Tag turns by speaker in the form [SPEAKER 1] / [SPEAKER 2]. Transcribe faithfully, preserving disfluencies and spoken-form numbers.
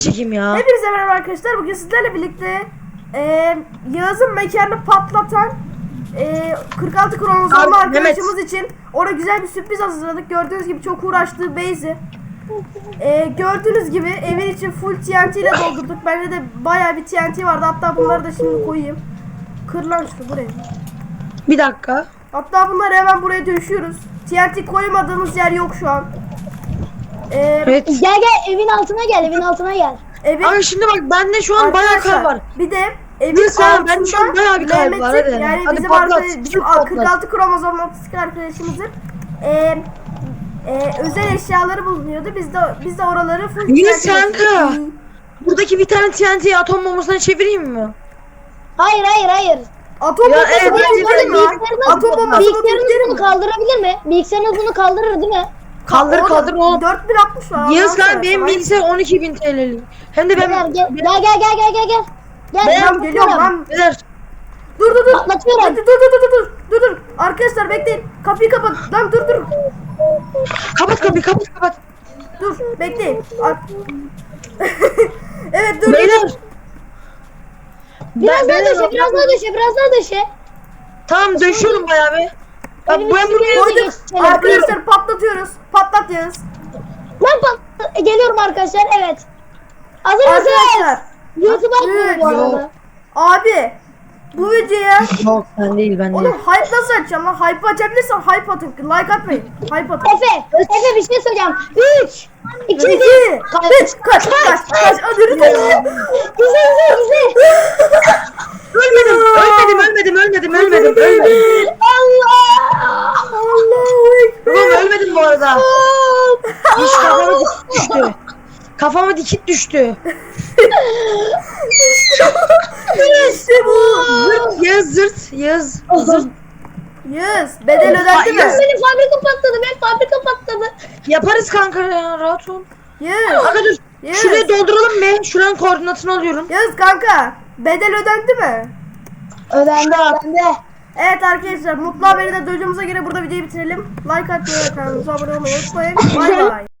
[SPEAKER 1] çekeyim ya.
[SPEAKER 2] Hepinize merhaba arkadaşlar. Bugün sizlerle birlikte e, Yağız'ın mekanını patlatan e, kırk altı kromozomlu arkadaşımız Mehmet için ona güzel bir sürpriz hazırladık. Gördüğünüz gibi çok uğraştığı base'i. E, gördüğünüz gibi evin için full T N T ile doldurduk. Bende de bayağı bir T N T vardı. Hatta bunları da şimdi koyayım. Kır lan şunu buraya.
[SPEAKER 1] Bir dakika.
[SPEAKER 2] Hatta bunları hemen buraya döşüyoruz. T N T koymadığımız yer yok şu an. Ee,
[SPEAKER 1] Evet.
[SPEAKER 3] Gel gel evin altına gel evin altına gel.
[SPEAKER 2] Evin...
[SPEAKER 1] Ama şimdi bak bende şu an bayağı kalp var.
[SPEAKER 2] Bir de evin
[SPEAKER 1] Neyse,
[SPEAKER 2] altında
[SPEAKER 1] ben şu an bayağı bir kalp var,
[SPEAKER 2] Mehmet'in,
[SPEAKER 1] hadi.
[SPEAKER 2] yani
[SPEAKER 1] Hadi
[SPEAKER 2] bizim,
[SPEAKER 1] patlat,
[SPEAKER 2] arkadaş, bizim
[SPEAKER 1] patlat.
[SPEAKER 2] kırk altı kromozomlu otistik arkadaşımızın e, e, özel eşyaları bulunuyordu. Biz de biz de oraları full
[SPEAKER 1] Yunus
[SPEAKER 2] T N T
[SPEAKER 1] kanka. Buradaki bir tane T N T'yi atom bombasına çevireyim mi?
[SPEAKER 3] Hayır hayır hayır.
[SPEAKER 2] Atom
[SPEAKER 1] Ya,
[SPEAKER 2] bombası
[SPEAKER 1] evet,
[SPEAKER 2] motosikleri mi?
[SPEAKER 3] bilgisayarınız-
[SPEAKER 2] Atom bombası
[SPEAKER 3] Bilgisayarınız
[SPEAKER 2] motosikleri
[SPEAKER 3] bunu
[SPEAKER 2] mi?
[SPEAKER 3] kaldırabilir mi? Bilgisayarınız bunu kaldırır değil mi?
[SPEAKER 1] Kaldır
[SPEAKER 2] Oğlum,
[SPEAKER 1] kaldır oğlum.
[SPEAKER 2] dört bin altmış var.
[SPEAKER 1] Yağız
[SPEAKER 2] Allah'ım
[SPEAKER 1] kanka benim
[SPEAKER 2] seversen.
[SPEAKER 1] bilgisayar on iki bin T L'lik. Hem de
[SPEAKER 3] Gel
[SPEAKER 1] ben...
[SPEAKER 3] gel gel gel gel gel gel gel. Gel
[SPEAKER 1] Ben
[SPEAKER 2] Tamam, geliyorum lan.
[SPEAKER 1] Beyler,
[SPEAKER 2] Dur dur dur.
[SPEAKER 3] Patlatıyorum.
[SPEAKER 2] Hadi, dur dur dur dur dur dur. Arkadaşlar bekleyin. Kapıyı kapat. Lan dur dur.
[SPEAKER 1] kapat kapıyı kapat kapat.
[SPEAKER 2] Dur bekleyin. Ar- evet dur.
[SPEAKER 1] Beyler.
[SPEAKER 3] Biraz
[SPEAKER 1] Ben-
[SPEAKER 3] daha
[SPEAKER 1] beyler,
[SPEAKER 3] döşe biraz daha döşe biraz daha döşe.
[SPEAKER 1] Tamam döşüyorum bayağı bir. Bak
[SPEAKER 3] Benim
[SPEAKER 1] bu ben
[SPEAKER 3] içime
[SPEAKER 1] buraya
[SPEAKER 3] koydum.
[SPEAKER 2] Koyduk.
[SPEAKER 3] Geçelim.
[SPEAKER 2] Arkadaşlar patlatıyoruz. Patlat Yağız.
[SPEAKER 3] Lan pat- e, geliyorum arkadaşlar evet. Hazır mısınız?
[SPEAKER 2] Arkadaşlar.
[SPEAKER 3] YouTube'a atmıyor bu
[SPEAKER 2] Evet.
[SPEAKER 3] arada.
[SPEAKER 2] Abi. Bu videoya
[SPEAKER 1] Yok ben değil ben değil.
[SPEAKER 2] oğlum hype nasıl açacağım lan? Hype açabilirsen hype atın. Like atmayın. Hype atın.
[SPEAKER 3] Efe, Efe bir şey söyleyeceğim. üç, iki, bir.
[SPEAKER 2] İki.
[SPEAKER 3] Kaç.
[SPEAKER 2] Üç. Kaç. Kaç. Kaç. Hadi lütfen.
[SPEAKER 3] Güzel, güzel, güzel.
[SPEAKER 1] Ölmedim ölmedim ölmedim ölmedim ölmedim ölmedim.
[SPEAKER 3] Allah!
[SPEAKER 2] Allahu Ekber.
[SPEAKER 1] Oğlum ölmedim bu arada. Hiç kafama dikit düştü. Kafama dikit düştü.
[SPEAKER 2] İşte bu.
[SPEAKER 1] Zırt Yağız zırt Yağız zırt.
[SPEAKER 2] Yağız. Bedel ödendi
[SPEAKER 1] Ay,
[SPEAKER 2] mi?
[SPEAKER 1] Yağız.
[SPEAKER 3] Benim fabrika patladı, benim fabrika patladı.
[SPEAKER 1] Yaparız kanka ya rahat ol.
[SPEAKER 2] Yağız.
[SPEAKER 1] Kanka dur.
[SPEAKER 2] Yağız.
[SPEAKER 1] Şurayı dolduralım be. Şuranın koordinatını alıyorum.
[SPEAKER 2] Yağız kanka. Bedel ödendi mi?
[SPEAKER 3] Ödendi, ödendi.
[SPEAKER 2] Evet arkadaşlar, mutlu haberi de duyduğumuza göre burada videoyu bitirelim. Like atmayı ve kanalımıza abone olmayı unutmayın. Bay bay.